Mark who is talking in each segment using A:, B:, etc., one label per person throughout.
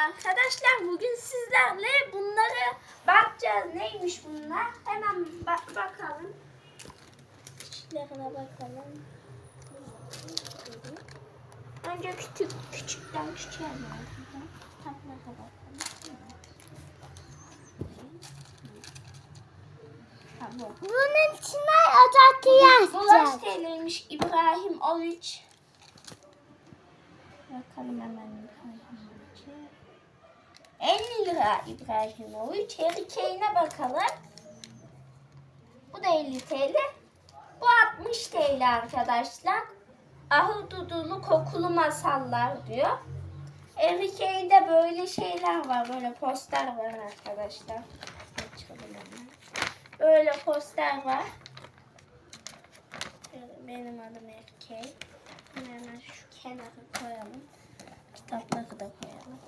A: arkadaşlar. Bugün sizlerle bunları bakacağız. Neymiş bunlar? Hemen bakalım. Küçüklerine bakalım. Önce küçükten küçüğe bakalım. Tatlara bakalım.
B: Bunun içine atatı yazacağız.
A: Bulaş TL'ymiş İbrahim Oviç. Bakalım hemen İbrahimoviç'e. 50 lira İbrahimoviç. Harry Kane'e bakalım. Bu da 50 TL. Bu 60 TL arkadaşlar. Ahududulu kokulu masallar diyor. Harry Kane'de böyle şeyler var. Böyle poster var arkadaşlar. Açalım hemen. Böyle poster var. Benim adım Harry Kane. Hemen şu kenara koyalım. Kitapları da koyalım.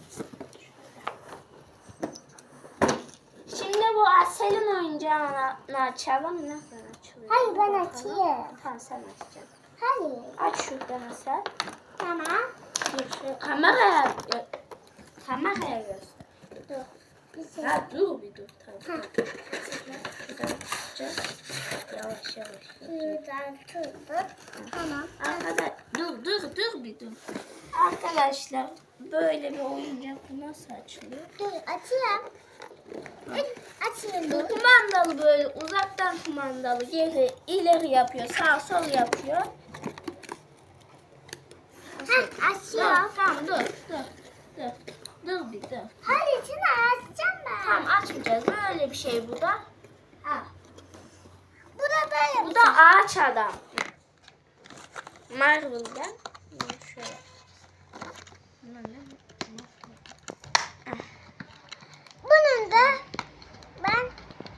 A: Şimdi bu Asel'in oyuncağını açalım. Nasıl açılıyor?
B: Hayır, ben
A: Bakalım.
B: açayım.
A: Tamam, sen açacaksın.
B: Hayır.
A: Aç şuradan Asel.
B: Tamam.
A: Kameraya göster.
B: Dur. Bir şey.
A: Ha, dur bir dur. Tamam.
B: Ha.
A: Şuradan açacağız. Yavaş yavaş.
B: Şuradan tuttuk. Tamam.
A: Dur bir dur. Arkadaşlar böyle bir oyuncak bu nasıl açılıyor?
B: Dur açayım. Açayım
A: Bu
B: dur.
A: kumandalı böyle uzaktan kumandalı geri ileri yapıyor, sağ sol yapıyor.
B: Ha, açıyorum.
A: Tamam dur. Dur bir dur.
B: Hayır, içine açacağım ben.
A: Tamam açmayacağız. Böyle bir şey bu da. Ha.
B: Bu da böyle
A: Bu
B: bir
A: da
B: şey.
A: ağaç adam. Marvel'dan. Şöyle.
B: Bunun da ben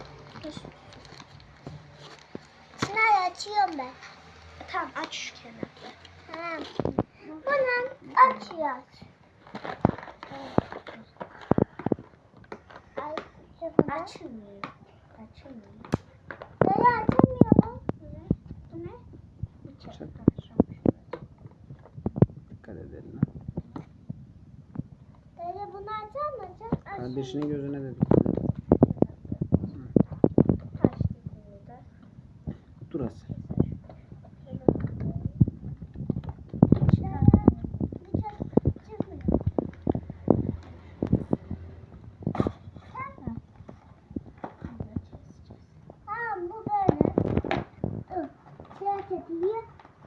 B: şunları açıyorum ben.
A: Tamam aç şu kenarda.
B: Tamam. Bunun açıyoruz. Ay, şunu.
A: Açılmıyor.
B: Böyle açamıyorum.
A: Bu ne? Bıçak.
C: Bıçak. Dikkat edelim.
B: Böyle bunu açamayacağım.
C: Kardeşinin gözüne de
A: Taş dediğini de.
C: dur Asel.
B: Tamam, bu böyle. Dur. Siyah ediliyor.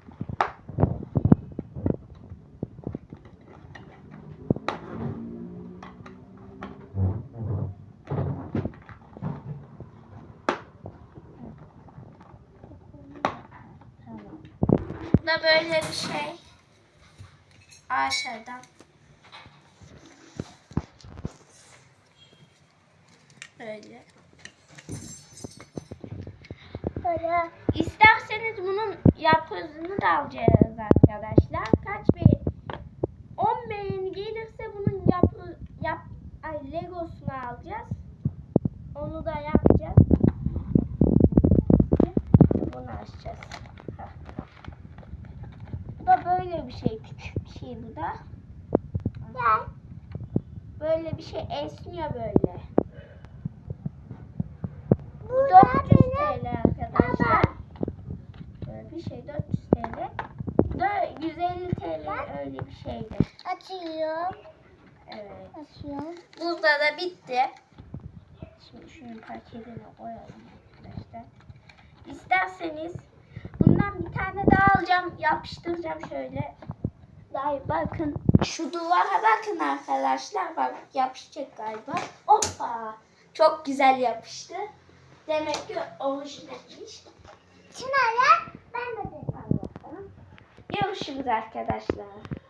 A: Bu da böyle bir şey. Ağaç adam. Böyle.
B: Böyle.
A: İsterseniz bunun yapısını da alacağız arkadaşlar. Kaç bir 10 beğeni gelirse bunun Legosunu alacağız. Onu da yapacağız. Bunu açacağız. Bu da böyle bir şey. Küçük bir şey bu da.
B: Gel.
A: Böyle bir şey esniyor böyle.
B: Bu
A: 400
B: da
A: TL arkadaşlar.
B: Ama.
A: Böyle bir şey 400 TL. Bu da 150 TL öyle bir şeydi.
B: Açıyorum.
A: Evet.
B: Açıyorum.
A: Burada da bitti. Şimdi şunun paketine koyalım arkadaşlar. İsterseniz bundan bir tane daha alacağım. Yapıştıracağım şöyle. Daha bakın. Şu duvara bakın arkadaşlar. Bak yapışacak galiba. Hoppa. Çok güzel yapıştı. Demek ki orijinalmiş.
B: Şunları ben de
A: Al bakalım. Görüşürüz arkadaşlar.